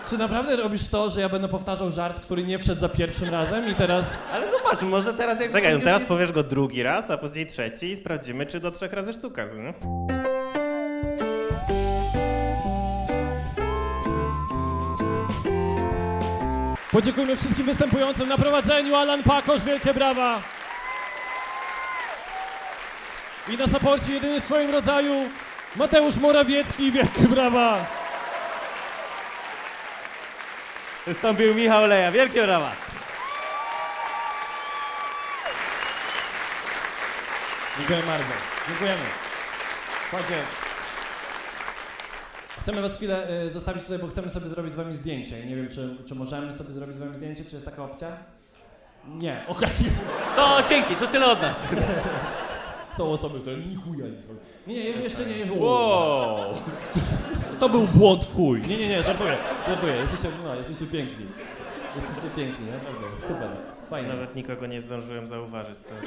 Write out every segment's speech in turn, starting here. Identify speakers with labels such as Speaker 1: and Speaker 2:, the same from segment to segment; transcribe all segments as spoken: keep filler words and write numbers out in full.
Speaker 1: Czy naprawdę robisz to, że ja będę powtarzał żart, który nie wszedł za pierwszym razem i teraz...
Speaker 2: Ale zobacz, może teraz jak...
Speaker 3: Czekaj, no
Speaker 2: już
Speaker 3: teraz
Speaker 2: jest...
Speaker 3: powiesz go drugi raz, a później trzeci i sprawdzimy, czy do trzech razy sztuka, nie?
Speaker 1: Podziękujmy wszystkim występującym na prowadzeniu. Alan Pakosz, wielkie brawa. I na saporcie jedyny w swoim rodzaju Mateusz Morawiecki, wielkie brawa.
Speaker 2: Wystąpił Michał Leja, wielkie brawa.
Speaker 1: Dziękuję bardzo. Dziękujemy. Chodźcie. Chcemy was chwilę y, zostawić tutaj, bo chcemy sobie zrobić z wami zdjęcie. Nie wiem, czy, czy możemy sobie zrobić z wami zdjęcie, czy jest taka opcja? Nie, okej.
Speaker 2: No dzięki, to tyle od nas.
Speaker 1: Są osoby, które ni chuja nie robią. Nie, nie, jeszcze, jeszcze nie. Jeszcze,
Speaker 2: Wow.
Speaker 1: To był błąd w chuj. Nie, nie, nie, żartuję. Żartuję. Jesteście, no, jesteście piękni. Jesteście piękni, naprawdę. Super. Fajnie.
Speaker 3: Nawet nikogo nie zdążyłem zauważyć. To...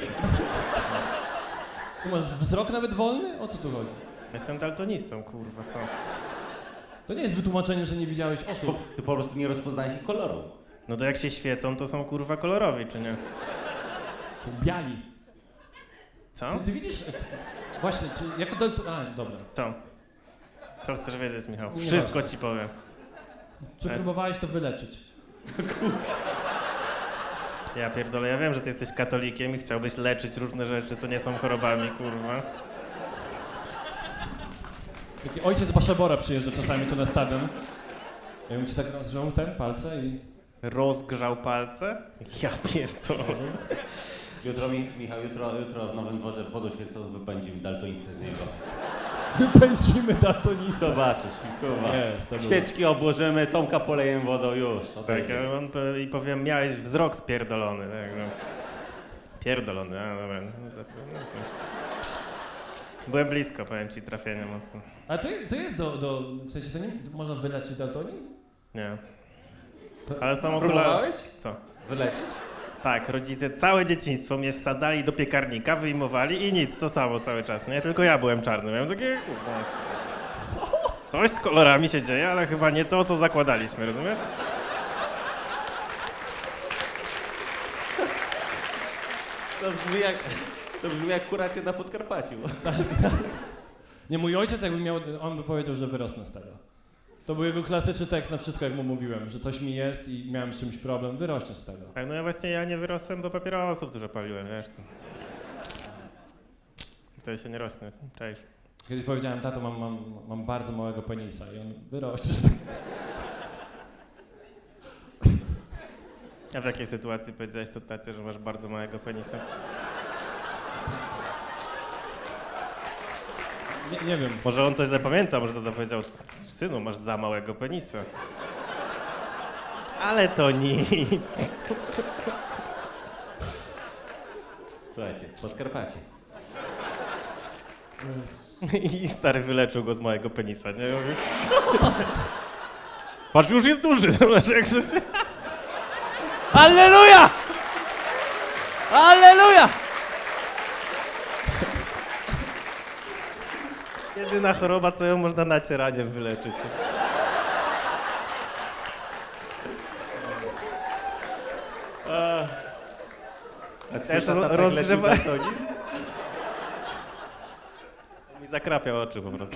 Speaker 1: Tu masz wzrok nawet wolny? O co tu chodzi?
Speaker 3: Jestem daltonistą, kurwa, co?
Speaker 1: To nie jest wytłumaczenie, że nie widziałeś osób.
Speaker 2: Ty po prostu nie rozpoznałeś ich koloru.
Speaker 3: No to jak się świecą, to są kurwa kolorowi, czy nie?
Speaker 1: Są biali.
Speaker 3: Co?
Speaker 1: Ty, ty widzisz... Właśnie, czy jako dalton... A, dobra.
Speaker 3: Co? Co chcesz wiedzieć, Michał?
Speaker 1: Nie
Speaker 3: Wszystko
Speaker 1: ważne.
Speaker 3: ci powiem.
Speaker 1: Czy
Speaker 3: E.
Speaker 1: próbowałeś to wyleczyć?
Speaker 3: Ja pierdolę, ja wiem, że ty jesteś katolikiem i chciałbyś leczyć różne rzeczy, co nie są chorobami, kurwa.
Speaker 1: Taki ojciec Baszebora przyjeżdża czasami tu na stadion. Ja bym ci tak rozrzął ten palce i...
Speaker 3: Rozgrzał palce? Ja pierdolę.
Speaker 2: Jutro, mi, Michał, jutro, jutro w Nowym Dworze wodą święcąc wypędzimy daltonistę z niego.
Speaker 1: Wypędzimy daltonistę.
Speaker 2: Zobaczysz, kurwa.
Speaker 1: Jest, to było.
Speaker 2: Świeczki obłożymy, Tomka polejemy wodą, już.
Speaker 3: Tak,
Speaker 2: odejdzie.
Speaker 3: a on po- i powiem, miałeś wzrok spierdolony, tak no. Pierdolony, a dobra. No, to- no, okej. Byłem blisko, powiem ci, trafienia mocno.
Speaker 1: A to, to jest do, do... W sensie to nie... Można wyleczyć daltonizm?
Speaker 3: Nie.
Speaker 1: To-
Speaker 3: Ale są okulary.
Speaker 2: Próbowałeś?
Speaker 3: Co?
Speaker 2: Wylecieć?
Speaker 3: Tak, rodzice całe dzieciństwo mnie wsadzali do piekarnika, wyjmowali i nic, to samo cały czas, nie? Tylko ja byłem czarny, miałem takie... kurwa. Coś z kolorami się dzieje, ale chyba nie to, co zakładaliśmy, rozumiesz?
Speaker 2: To brzmi jak, to brzmi jak kuracja na Podkarpaciu.
Speaker 1: Nie, mój ojciec jakby miał... On by powiedział, że wyrosnę z tego. To był jego klasyczny tekst na wszystko, jak mu mówiłem, że coś mi jest i miałem z czymś problem, wyrośnie z tego.
Speaker 3: Tak, no ja właśnie ja nie wyrosłem, bo papierosów dużo paliłem, wiesz co? Wtedy się nie rośnie, cześć.
Speaker 1: Kiedyś powiedziałem, tato, mam, mam, mam bardzo małego penisa i on wyrośnie z tego.
Speaker 3: A w jakiej sytuacji powiedziałeś to tacie, że masz bardzo małego penisa?
Speaker 1: Nie, nie wiem.
Speaker 3: Może on to źle pamięta, może tata powiedział, synu, masz za małego penisa. Ale to nic.
Speaker 2: Słuchajcie, Podkarpacie.
Speaker 3: I stary wyleczył go z małego penisa, nie? Ja mówię, patrz, już jest duży, zobacz jak to się...
Speaker 2: Alleluja! Alleluja!
Speaker 3: Jedyna choroba, co ją można nacieraniem wyleczyć.
Speaker 2: A, a
Speaker 3: Też
Speaker 2: twój tata tak
Speaker 3: rozgrzewa-
Speaker 2: leczył daltonizm?
Speaker 3: Mi zakrapiał oczy po prostu.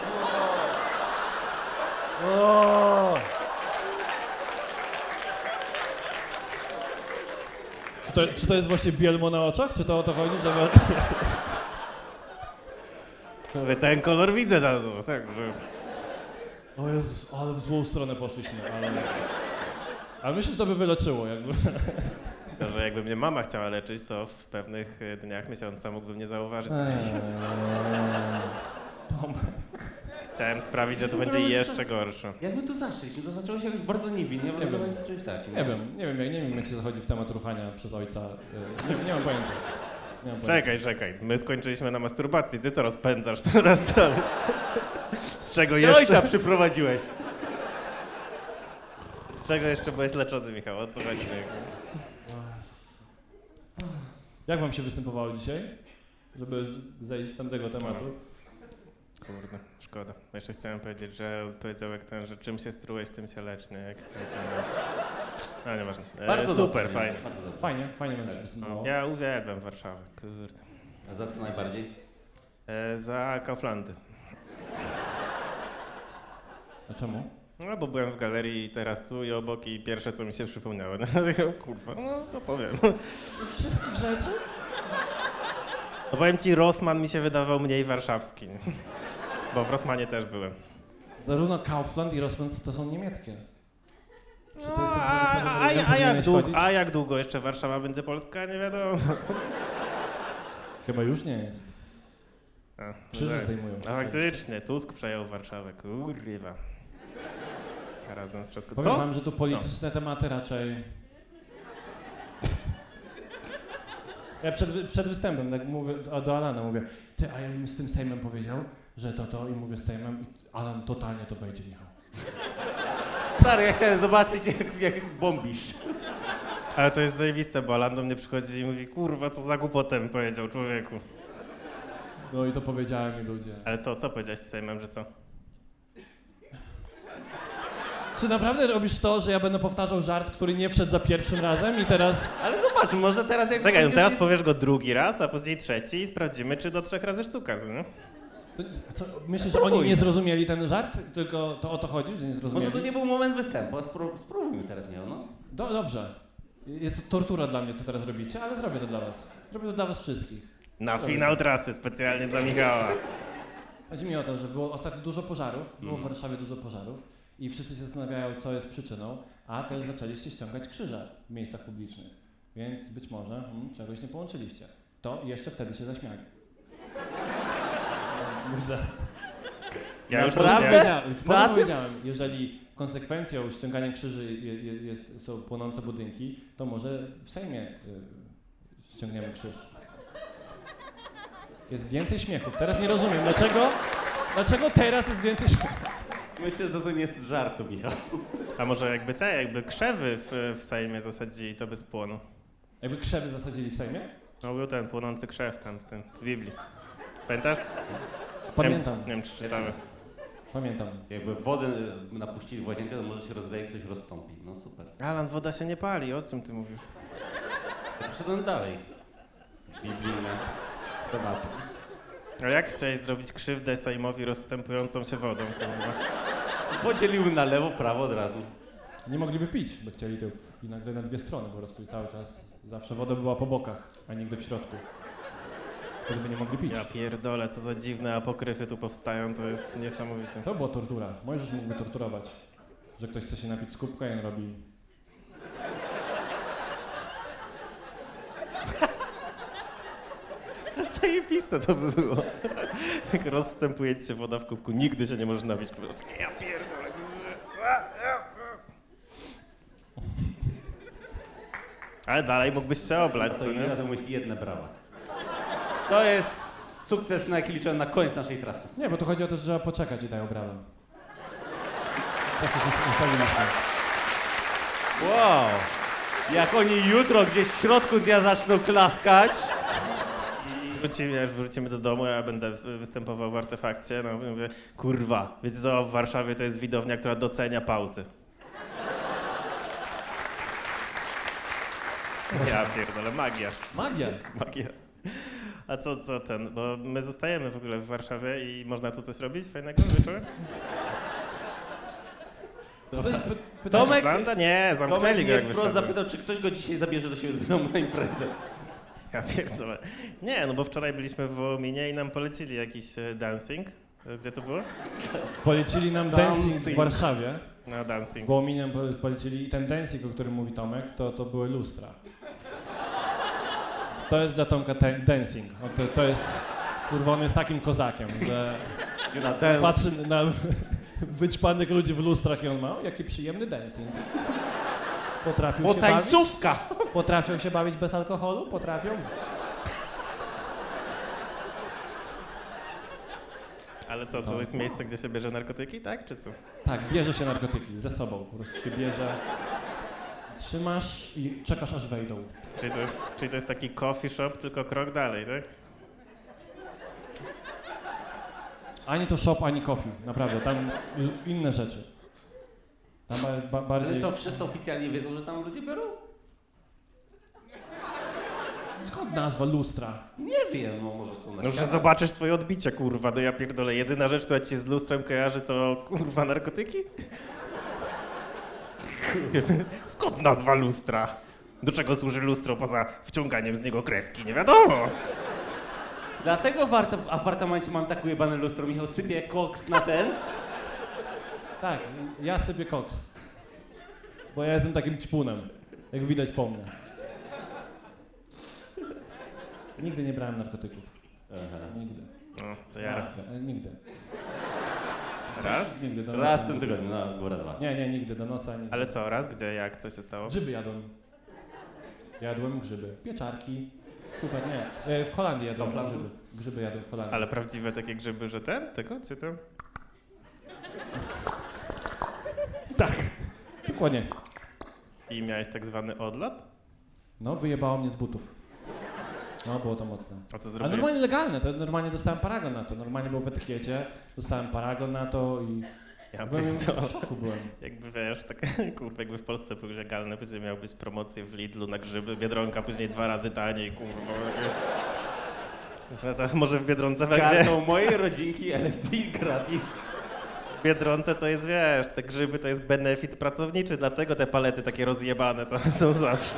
Speaker 1: Czy to, czy to jest właśnie bielmo na oczach? Czy to o to chodzi, że...
Speaker 3: Mówię, ten kolor widzę na to, tak, że...
Speaker 1: O Jezus, ale w złą stronę poszliśmy, ale... Ale myślę, że to by wyleczyło jakby.
Speaker 3: Tylko, że jakby mnie mama chciała leczyć, to w pewnych e, dniach, miesiąca mógłbym nie zauważyć. Chciałem sprawić, że to będzie jeszcze gorsze.
Speaker 2: Jak my tu zaszliśmy, to zaczęło się jakoś bardzo niewinnie,
Speaker 1: Nie
Speaker 2: wyglądać
Speaker 1: wiem.
Speaker 2: czymś takim.
Speaker 1: Nie wiem, nie wiem, jak, nie wiem jak się zachodzi w temat ruchania przez ojca. Y, Nie, nie mam pojęcia. Nie mam pojęcia.
Speaker 3: Czekaj, czekaj, my skończyliśmy na masturbacji, ty to rozpędzasz coraz cały. Z czego
Speaker 2: Ty
Speaker 3: jeszcze...
Speaker 2: ojca przyprowadziłeś.
Speaker 3: Z czego jeszcze byłeś leczony, Michał? O co chodzi?
Speaker 1: Jak wam się występowało dzisiaj? Żeby z- zejść z tamtego tematu.
Speaker 3: kurde, szkoda. Jeszcze chciałem powiedzieć, że powiedział jak ten, że czym się strułeś, tym się lecz, nie? Jak chciałem ten... No nieważne. E,
Speaker 2: Bardzo
Speaker 3: super,
Speaker 2: dobrze,
Speaker 3: fajnie.
Speaker 2: Bardzo dobrze.
Speaker 1: Fajnie, fajnie będzie się wysunęło.
Speaker 3: Ja uwielbiam Warszawę, kurde.
Speaker 2: A za co najbardziej?
Speaker 3: E, za Kauflandy.
Speaker 1: A czemu?
Speaker 3: No bo byłem w galerii i teraz tu i obok i pierwsze co mi się przypomniało, no kurwa, no to powiem.
Speaker 1: Wszystkich rzeczy?
Speaker 3: No powiem ci, Rossmann mi się wydawał mniej warszawski, nie? Bo w Rossmanie też byłem.
Speaker 1: Zarówno Kaufland i Rossmann to są niemieckie. Czy to
Speaker 3: No,
Speaker 1: jest ten
Speaker 3: a,
Speaker 1: produkt,
Speaker 3: a,
Speaker 1: na który
Speaker 3: a, a, jak
Speaker 1: powinieneś
Speaker 3: długo,
Speaker 1: chodzić?
Speaker 3: a jak długo jeszcze Warszawa będzie Polska, nie wiadomo.
Speaker 1: Chyba już nie jest.
Speaker 3: A, no
Speaker 1: Krzyże
Speaker 3: tak.
Speaker 1: zdejmują.
Speaker 3: A faktycznie, Tusk przejął Warszawę, kurwa. Razem z Trzaskowskim.
Speaker 1: Powiem
Speaker 3: Co?
Speaker 1: wam, że tu polityczne tematy raczej... Ja przed, przed występem tak mówię a do Alana, mówię, ty, a ja bym z tym Sejmem powiedział, że to to i mówię z Sejmem i Alan totalnie to wejdzie, Michał.
Speaker 2: Stary, ja chciałem zobaczyć, jak, jak bombisz.
Speaker 3: Ale to jest zajebiste, bo Alan do mnie przychodzi i mówi, kurwa, co za głupotem powiedział człowieku.
Speaker 1: No i to powiedziałem i ludzie.
Speaker 3: Ale co, co powiedziałeś z Sejmem, że co?
Speaker 1: Czy naprawdę robisz to, że ja będę powtarzał żart, który nie wszedł za pierwszym razem i teraz...
Speaker 2: Ale zobacz, może teraz jak...
Speaker 3: Czekaj, no
Speaker 2: już
Speaker 3: teraz
Speaker 2: jest-
Speaker 3: powiesz go drugi raz, a później trzeci i sprawdzimy, czy do trzech razy sztuka, co nie?
Speaker 1: To, co, myślisz, że oni nie zrozumieli ten żart? Tylko to o to chodzi, że nie zrozumieli?
Speaker 2: Może to nie był moment występu, a spró- spróbujmy teraz, Michał, no.
Speaker 1: Do, dobrze. Jest to tortura dla mnie, co teraz robicie, ale zrobię to dla was. Zrobię to dla was wszystkich.
Speaker 3: Na finał trasy, specjalnie dla Michała.
Speaker 1: Chodzi mi o to, że było ostatnio dużo pożarów, było w
Speaker 2: Mhm.
Speaker 1: Warszawie dużo pożarów i wszyscy się zastanawiają, co jest przyczyną, a też zaczęliście ściągać krzyże w miejscach publicznych. Więc być może hmm, czegoś nie połączyliście. To jeszcze wtedy się zaśmiali. Myślę.
Speaker 3: Ja już to
Speaker 2: Naprawdę?
Speaker 3: wiem.
Speaker 1: Powiedziałem,
Speaker 2: Na
Speaker 1: potem
Speaker 2: tym?
Speaker 1: powiedziałem, jeżeli konsekwencją ściągania krzyży je, je, jest, są płonące budynki, to może w Sejmie y, ściągniemy krzyż. Jest więcej śmiechów. Teraz nie rozumiem, dlaczego, dlaczego teraz jest więcej śmiechów.
Speaker 2: Myślę, że to nie jest żartu, Michał.
Speaker 3: A może jakby te, jakby krzewy w, w Sejmie zasadzili, to by spłonął.
Speaker 1: Jakby krzewy zasadzili w Sejmie?
Speaker 3: No był ten płonący krzew tam w, tym, w Biblii. Pamiętasz?
Speaker 1: Pamiętam,
Speaker 3: Nie wiem, nie wiem czy czytamy.
Speaker 1: pamiętam.
Speaker 2: Jakby wodę y, napuścili w łazienkę, to może się rozleje i ktoś roztąpi. No super.
Speaker 3: Alan, woda się nie pali, o czym ty mówisz?
Speaker 2: Ja Poszedłem dalej. Biblijne tematy.
Speaker 3: A jak chciałeś zrobić krzywdę Sejmowi rozstępującą się wodą, kurwa?
Speaker 2: Podzieliły na lewo, prawo od razu.
Speaker 1: Nie mogliby pić, by chcieli to i nagle na dwie strony po prostu i cały czas. Zawsze woda była po bokach, a nigdy w środku. Wtedy by nie mogli pić.
Speaker 3: Ja pierdolę, co za dziwne apokryfy tu powstają, to jest niesamowite.
Speaker 1: To była tortura. Możesz mógłby torturować, że ktoś chce się napić z kubka i on robi...
Speaker 3: Zajebiste to by było. Jak rozstępuje ci się woda w kubku, nigdy się nie możesz napić. Kurwa. Ja pierdolę, to jest... Ale dalej mógłbyś się oblać,
Speaker 2: To
Speaker 3: co
Speaker 2: i
Speaker 3: nie?
Speaker 2: na to musi jedne brawa. To jest sukces, na jaki liczyłem na koniec naszej trasy.
Speaker 1: Nie, bo tu chodzi o to, że trzeba poczekać i dają brawę. Tak się ustawiliśmy.
Speaker 2: Wow! Jak oni jutro gdzieś w środku dnia zaczną klaskać.
Speaker 3: I wrócimy, jak wrócimy do domu, ja będę wy- występował w Artefakcie, no i mówię, kurwa, wiecie co, w Warszawie to jest widownia, która docenia pauzy. Ja pierdolę, magia.
Speaker 1: Magia!
Speaker 3: Magia. A co, co ten, bo my zostajemy w ogóle w Warszawie i można tu coś robić fajnego wieczorem?
Speaker 1: Czy to jest py- pytanie?
Speaker 2: Tomek-
Speaker 3: Atlanta? Nie,
Speaker 2: Tomek
Speaker 3: zamknęli go
Speaker 2: mnie
Speaker 3: jak
Speaker 2: wprost
Speaker 3: wyszedłem.
Speaker 2: zapytał, czy ktoś go dzisiaj zabierze do siebie do domu na imprezę.
Speaker 3: Ja pierdolę. Nie, no bo wczoraj byliśmy w Wołominie i nam polecili jakiś e, dancing. E, Gdzie to było?
Speaker 1: Polecili nam dancing w
Speaker 2: Dancing.
Speaker 1: Warszawie,
Speaker 3: No, dancing.
Speaker 1: bo miniem polecili i ten dancing, o którym mówi Tomek, to, to były lustra. To jest dla Tomka te- dancing. On to, to jest, kurwa, on jest takim kozakiem, że
Speaker 2: You know, dance.
Speaker 1: patrzy na wyćpanych ludzi w lustrach i on ma, o, jaki przyjemny dancing. Potrafią
Speaker 2: Bo
Speaker 1: się bawić?
Speaker 2: tańcówka!
Speaker 1: Potrafią się bawić bez alkoholu? Potrafią?
Speaker 3: Ale co, to jest miejsce, gdzie się bierze narkotyki, tak? Czy co?
Speaker 1: Tak, bierze się narkotyki ze sobą, po prostu się bierze, trzymasz i czekasz aż wejdą.
Speaker 3: Czyli to jest, czyli to jest taki coffee shop, tylko krok dalej, tak?
Speaker 1: Ani to shop, ani coffee. Naprawdę, tam y, inne rzeczy. Tam ba, ba,
Speaker 2: Ale
Speaker 1: bardziej...
Speaker 2: to wszyscy oficjalnie wiedzą, że tam ludzie biorą?
Speaker 1: Skąd nazwa lustra?
Speaker 2: Nie wiem, no może są na
Speaker 3: No, że
Speaker 2: ścianach.
Speaker 3: zobaczysz swoje odbicie, kurwa, no ja pierdolę. Jedyna rzecz, która ci się z lustrem kojarzy, to kurwa narkotyki? Skąd nazwa lustra? Do czego służy lustro poza wciąganiem z niego kreski? Nie wiadomo.
Speaker 2: Dlatego w art- apartamencie mam tak ujebane lustro. Michał sypie koks na ten.
Speaker 1: Tak, ja sypię koks. Bo ja jestem takim ćpunem, jak widać po mnie. Nigdy nie brałem narkotyków.
Speaker 2: Aha.
Speaker 1: Nigdy.
Speaker 3: No, to ja raz.
Speaker 1: E, Nigdy.
Speaker 3: Raz?
Speaker 1: Nigdy do nosa.
Speaker 2: Raz w tym tygodniu, no góra dwa.
Speaker 1: Nie, nie, nigdy do nosa. Nigdy.
Speaker 3: Ale co, raz? Gdzie, jak, co się stało?
Speaker 1: Grzyby jadłem. Jadłem grzyby. Pieczarki. Super, nie. E, W Holandii jadłem
Speaker 2: Holandii?
Speaker 1: grzyby. Grzyby jadłem w Holandii.
Speaker 3: Ale prawdziwe takie grzyby, że ten? Tego? Czy to?
Speaker 1: Tak. Dokładnie.
Speaker 3: I miałeś tak zwany odlot?
Speaker 1: No, wyjebało mnie z butów. No, było to mocne.
Speaker 3: A co
Speaker 1: Ale
Speaker 3: zrobiłeś?
Speaker 1: normalnie legalne, to normalnie dostałem paragon na to. Normalnie było w etykiecie, dostałem paragon na to i
Speaker 3: Ja
Speaker 1: byłem
Speaker 3: pierdolę.
Speaker 1: w szoku byłem.
Speaker 3: Jakby wiesz, tak kurwa, jakby w Polsce były legalne, później miał być promocje w Lidlu na grzyby, Biedronka później dwa razy taniej, kurwa. No to może w Biedronce
Speaker 2: Z
Speaker 3: tak wie,
Speaker 2: kartą mojej rodzinki L S D gratis.
Speaker 3: w Biedronce to jest, wiesz, te grzyby to jest benefit pracowniczy, dlatego te palety takie rozjebane to są zawsze.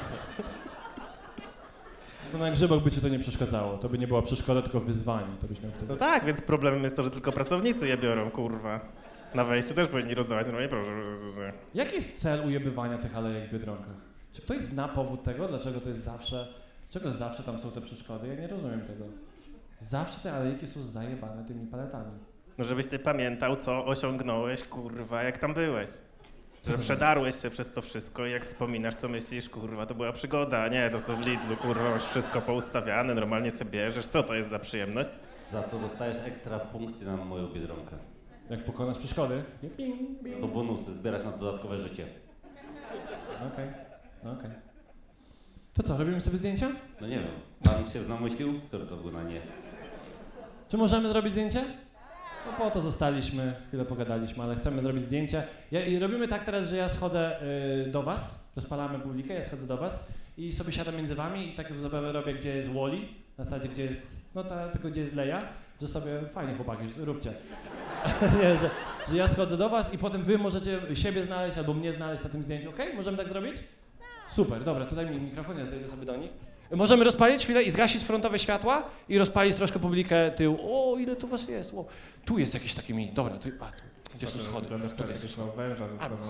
Speaker 1: Bo na grzybach by ci to nie przeszkadzało. To by nie była przeszkoda, tylko wyzwanie. To byś miał wtedy.
Speaker 3: No tak, więc problemem jest to, że tylko pracownicy je biorą, kurwa. Na wejściu też powinni rozdawać, no nie proszę.
Speaker 1: Jaki jest cel ujebywania tych alejek w Biedronkach? Czy ktoś zna powód tego, dlaczego to jest zawsze, dlaczego zawsze tam są te przeszkody? Ja nie rozumiem tego. Zawsze te alejki są zajebane tymi paletami.
Speaker 3: No żebyś ty pamiętał, co osiągnąłeś, kurwa, jak tam byłeś. Że przedarłeś się przez to wszystko i jak wspominasz, to myślisz, kurwa, to była przygoda, a nie to co w Lidlu, kurwa, masz wszystko poustawiane, normalnie sobie bierzesz, co to jest za przyjemność?
Speaker 2: Za to dostajesz ekstra punkty na moją Biedronkę.
Speaker 1: Jak pokonasz przeszkody? Ping, ping.
Speaker 2: To bonusy, zbierać na dodatkowe życie.
Speaker 1: Okej, no okej. To co, robimy sobie zdjęcia?
Speaker 2: No nie wiem, pan się namyślił? Który to był na nie?
Speaker 1: Czy możemy zrobić zdjęcie? No po to zostaliśmy, chwilę pogadaliśmy, ale chcemy zrobić zdjęcie. Ja, I robimy tak teraz, że ja schodzę y, do was, rozpalamy publikę, ja schodzę do was i sobie siadam między wami i taką zabawę robię, gdzie jest Wally, na zasadzie, gdzie jest, no ta, tylko gdzie jest Leia, że sobie, fajnie chłopaki, róbcie. Nie, że, że ja schodzę do was i potem wy możecie siebie znaleźć albo mnie znaleźć na tym zdjęciu, okej? Możemy tak zrobić? Super, dobra, tutaj mi mikrofon, ja zejdę sobie do nich. Możemy rozpalić chwilę i zgasić frontowe światła i rozpalić troszkę publikę tył. O, ile tu was jest? O, tu jest jakieś takie mi. Dobra, tu, a, tu. Gdzie są schody? Tutaj są schody.
Speaker 3: węża ze sobą.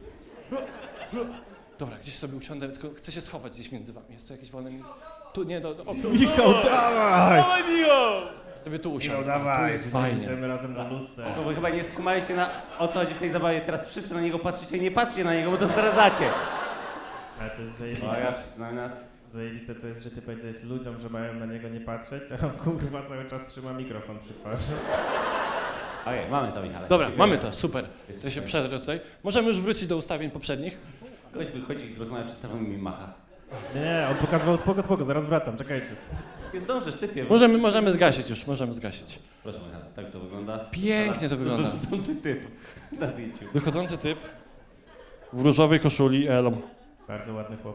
Speaker 1: Dobra, gdzieś sobie usiądę, tylko chcę się schować gdzieś między wami. Jest tu jakieś wolne miejsce? Tu, nie, do, do, o,
Speaker 3: Michał, dawaj!
Speaker 1: sobie tu
Speaker 3: Michał,
Speaker 1: usiądę. Tu
Speaker 3: dawaj,
Speaker 1: jest fajnie.
Speaker 3: idziemy razem do lustra.
Speaker 2: No wy chyba nie skumaliście na o co chodzi w tej zabawie. Teraz wszyscy na niego patrzycie i nie patrzcie na niego, bo to zdradzacie.
Speaker 3: Ale to jest
Speaker 2: O,
Speaker 3: zajebiste.
Speaker 2: ja wszyscy na nas.
Speaker 3: Zajebiste to jest, że ty powiedziałeś ludziom, że mają na niego nie patrzeć, a on kurwa cały czas trzyma mikrofon przy twarzy.
Speaker 2: Okej, mamy to, Michale.
Speaker 1: Dobra,
Speaker 2: Dziękuję.
Speaker 1: mamy to, super. To się przedrę tutaj. Możemy już wrócić do ustawień poprzednich.
Speaker 2: Ktoś wychodzi, rozmawia przez telefon i mi macha.
Speaker 3: Nie, nie, on pokazywał spoko, spoko, zaraz wracam, czekajcie.
Speaker 2: Nie zdążysz, typie.
Speaker 1: Możemy, możemy zgasić już, możemy zgasić.
Speaker 2: Proszę, Michale, tak to wygląda.
Speaker 1: Pięknie to wygląda.
Speaker 2: Wychodzący typ na zdjęciu.
Speaker 1: Wychodzący typ w różowej koszuli Elo.
Speaker 3: Bardzo ładny chłop.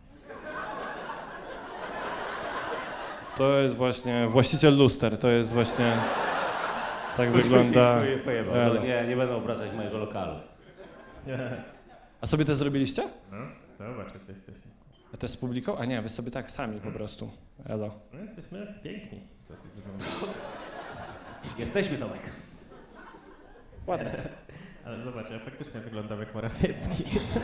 Speaker 1: To jest właśnie właściciel luster, to jest właśnie... Tak wygląda
Speaker 2: Dziękuję, pojebał.
Speaker 1: Elo.
Speaker 2: No, nie, nie będę obrażać mojego lokalu.
Speaker 1: A sobie też zrobiliście?
Speaker 3: No, zobacz, jacy jesteśmy.
Speaker 1: A też z publiką? A nie, wy sobie tak sami po prostu. Elo.
Speaker 3: No jesteśmy piękni. Co ty dużo mówisz?
Speaker 2: Jesteśmy, Tomek.
Speaker 1: Ładnie.
Speaker 3: Ale zobacz, ja faktycznie wyglądam jak Morawiecki.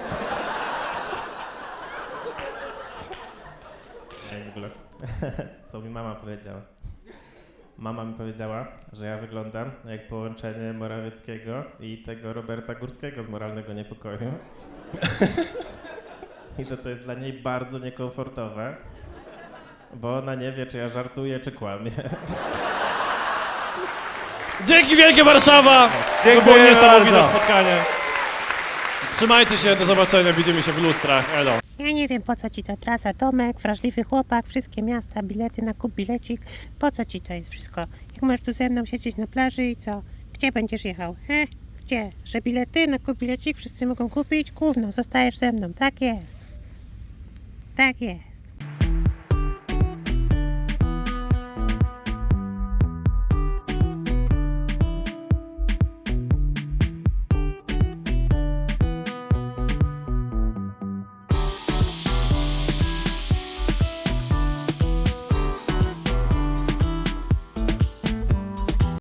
Speaker 3: Ej, w ogóle, co mi mama powiedziała? Mama mi powiedziała, że ja wyglądam jak połączenie Morawieckiego i tego Roberta Górskiego z Moralnego Niepokoju. I że to jest dla niej bardzo niekomfortowe, bo ona nie wie, czy ja żartuję, czy kłamię.
Speaker 1: Dzięki wielkie Warszawa! To było niesamowite spotkanie. Trzymajcie się, do zobaczenia, widzimy się w lustrach. Elo.
Speaker 4: Ja nie wiem, po co ci ta trasa, Tomek, wrażliwy chłopak, wszystkie miasta, bilety na kup bilecik. Po co ci to jest wszystko? Jak możesz tu ze mną siedzieć na plaży i co? Gdzie będziesz jechał? He? Gdzie? Że bilety na kup bilecik wszyscy mogą kupić? Gówno, zostajesz ze mną, tak jest. Tak jest.